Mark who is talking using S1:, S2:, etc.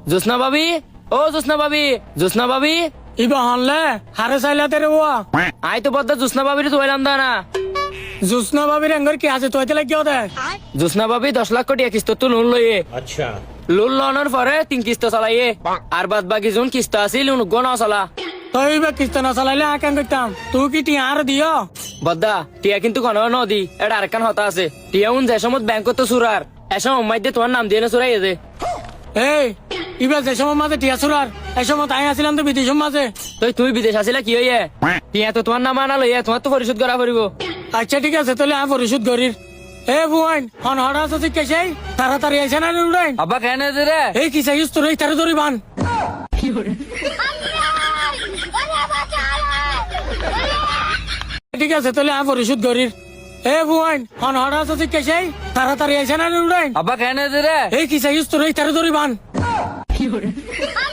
S1: জোসনা ভাবি, ও জোসনা ভাবি, জোসনা ভাবি।
S2: ইবা হনলে হারে চাইলাতে রে ওয়া
S1: আই তো বদ্দা জোসনা ভাবির তোলাম দা না।
S2: জুসনা বাবির এঙ্গর কি আছে তুই তেলে কি হতে
S1: জোসনা ভাবি 10 লাখ কোটি কিস্ত তো লোন লইয়ে।
S3: अच्छा
S1: লোন লওয়ানোর পরে 3 কিস্ত চালাইয়ে, আর বাদ বাকি যোন কিস্ত আছিল গনা চলা।
S2: তুই বা কিস্ত না চালাইলে আকান করতাম তুই কি টিয়া আর দিও
S1: বদ্দা টিয়া কিন্তু কোনো নদী এটা আরেকখান হতা আছে। টিয়া উন যে সময় ব্যাংক তো সুরার এসব মাইদে তোমার নাম দিয়ে না সুরাই দে।
S2: এই ইবা যে সময় মাঝে টিয়া সুরার এই সময় তাই আসিলাম তো বিদেশের মাঝে
S1: তুমি বিদেশ আসিলা কি হইয়ে? টিয়া তো তোমার নাম আনা লইয়া তোমার তো পরিশোধ করা পড়িব।
S2: আচ্ছা ঠিক আছে তাহলে আমি পরিশোধ করির এ বুয়াইন হন হড়া আছে ঠিক কেসে তাড়াতাড়ি আইসে না উড়াইন
S1: আব্বা কেন রে?
S2: এই কি চাইছিস তোর এই তারে ধরি বান ঠিক আছে তাহলে আমি পরিশোধ করির এ বুয়াইন হন হড়া আছে ঠিক কেসে তাড়াতাড়ি আইসে না উড়াইন
S1: আব্বা কেন রে?
S2: এই কি চাইছিস তোর এই তারে ধরি বান